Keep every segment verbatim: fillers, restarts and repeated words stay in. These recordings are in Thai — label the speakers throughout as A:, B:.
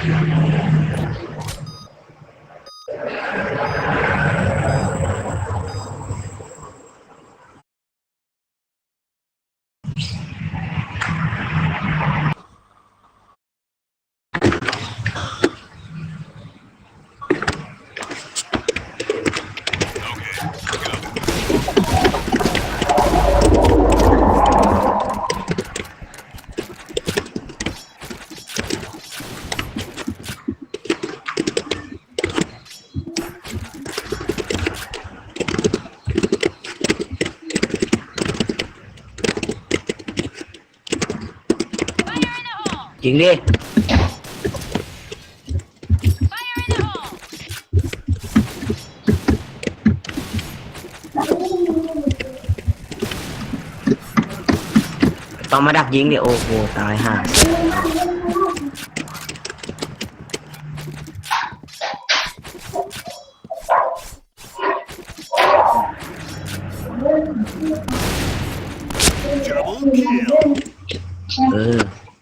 A: จริงดิต้องมาดักยิงดิโอ้โหตายห่าเออ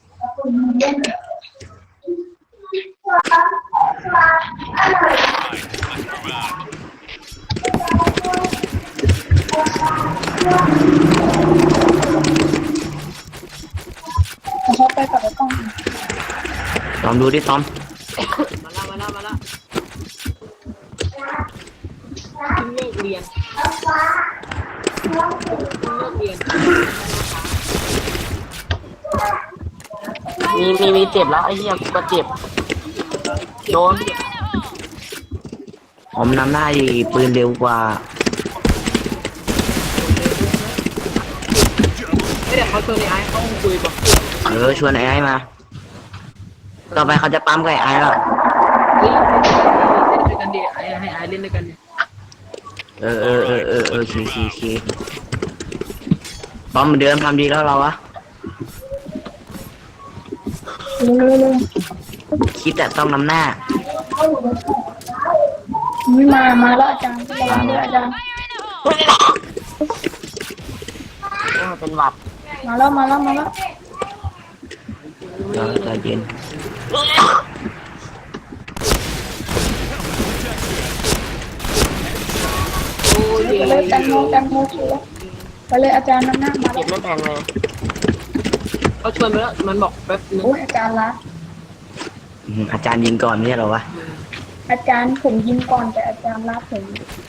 B: เขาไปกับไอ้กล้อง
A: ลองดูดิต้อม
C: มาละมาละมาละขึ้นเลิกเรียนขึ้นเลิกเรียนมีมีมีเจ็บแล้วไอ้เหี้ยกูก็เจ็บโดน
A: ผมนำหน้าดีปืนเร็วกว่า
C: ไม่แต่เขาชวนไอ้เขาคุยก่อน
A: เออชวนไอ้ไอ้มาต่อไปเขาจะปั๊มกับไอ้แล้ว
C: เฮ้ยเล่นด้วยกันดิไอ้ให้ไอ้เล่นด้วยกันดิ
A: เออเออเออเออเออคีคีคีปั๊มเหมือนเดิมทำดีแล้วเราอะคิดแต่ต้องนำหน้า
B: ไม่มามาแล้วอาจารย์ระวังด้วยอาจารย์
C: เป็นหวัด
B: มาแล้วมาแล้วมาแล้ว
A: เราใจเย็น
B: ไปเลยจันโมจันโมชัวไปเลยอาจารย์น้ำหน้ามา
C: เก็บไม่แพงเลยเขาชวนไปแล้วมันบอกแป๊บนึง
B: โอ้ยอาจารย์ละ
A: อาจารย์ยิงก่อนไม่ใช่หรอวะ
B: อาจารย์ผมยิงก่อนแต่อาจารย์ละผม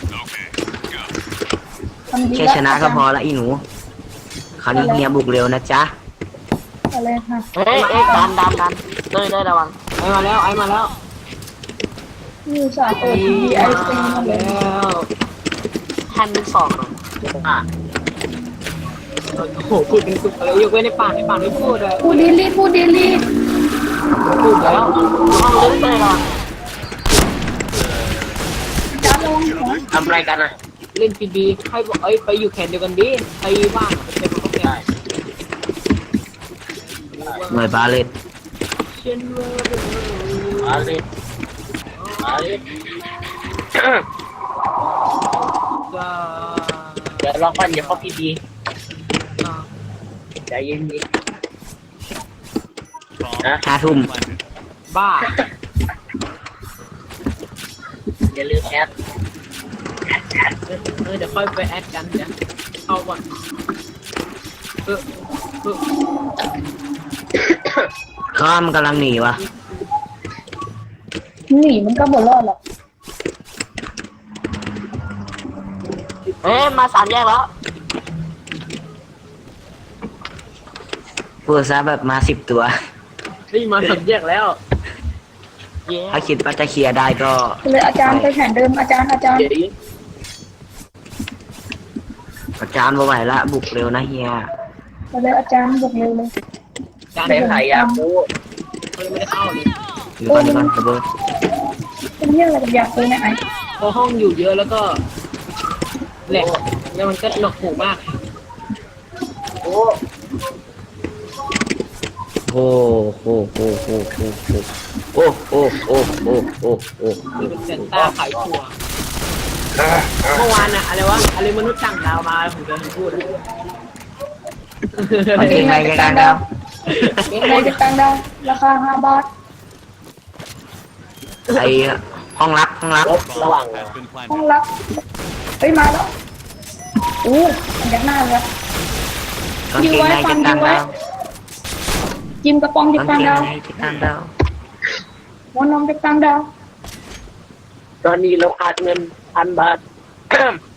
A: แค่ชนะก็พอละอีหนูคราวนี้เฮียบุกเร็วนะจ๊ะ
B: อะไรค่ะ
C: เฮ้ยเอ๊ะดันดันดันเลยได้ระวังไอ้มาแล้วไอ้มาแล้ว
B: นี่สาเปิดทีวีไอซีมาแล้ว
C: แฮนด์สองอ่ะโอ้โหพูดเป็นสุดเลยยกเว้นในปากในปากไม่พูดเลย
B: พูดดีลีพูดดีลี
C: พูดแล้วห้องลึกเลยหรอ
B: อาจารย์ลง
A: ทำไรกันอ่ะ
C: เล่นพีดีให้บอกเอ้ยไปอยู่แข่งเดียวกันดิไปว่างเป็นคนแข่ง
A: หน่วยบาเลต
C: บาเลตบาเลตเดี๋ยวลองก่อนอย่าเข้าพีดีใจเย็นดิ
A: นะห้าทุ่ม
C: บ้าอย่าลืมแอดเออเดี๋ยวค่อยไปแอดกันเดี๋ยวเข้าก่อนเออเออ
A: ข้ามกำลังหนีวะ
B: หนีมันก็บ่รอดหรอก
C: เอ๊ะมาสามแยกแล้ว
A: พูดซะแบบมาสิบตัว
C: นี่มาสามแยกแล้ว
A: ถ้าคิดว่าจะเคลียร์ได้ก็
B: เลยอาจารย์ไปแผนเดิมอาจารย์อาจารย์
A: อาจารย์บ่ไหวละบุกเร็วนะเฮีย
B: ไปเลยอาจารย์บุกเร็วเลย
C: อาจารย์เป็นใครอ่ะกูไม่ได้เข้าเลย
A: อยู่บ้านบ้านกระเบิด
B: เป็นเรื่องอะไรอยากเลยนะไอ้
C: พอห้องอยู่เยอะแล้วก็แหลกแล้วมันก็หนวกหูมากโอ้
A: โอ้โหโอ้โหโอ้โหโอ้โหโอ้โหโอ้โหโอ้โห
C: นี่เป็นเซนต้าขายถั่วเมื่อวานอะอะไรวะอะไรมนุษย์ต่างดาวมาผมจะพูด
A: มันเก่งอะไรกันดาว
B: เก่งอะไรกันดาวราคาห้าบาท
A: ไอห้องลับห้องลับ
C: ระหว่าง
D: Has been planted.
B: ห้องรับเฮ้ยมาแล้วอู้มันยักหน้าเลย
A: กางเกงในจะตามดาว
B: จิ้มกระป๋องจะ
A: กาง
B: ตาม
A: เกง
B: ดาว
A: ในจะตามดาว
B: หัวนมจะตามดาว
C: ตอนนี้เราขาดเงินพันบาท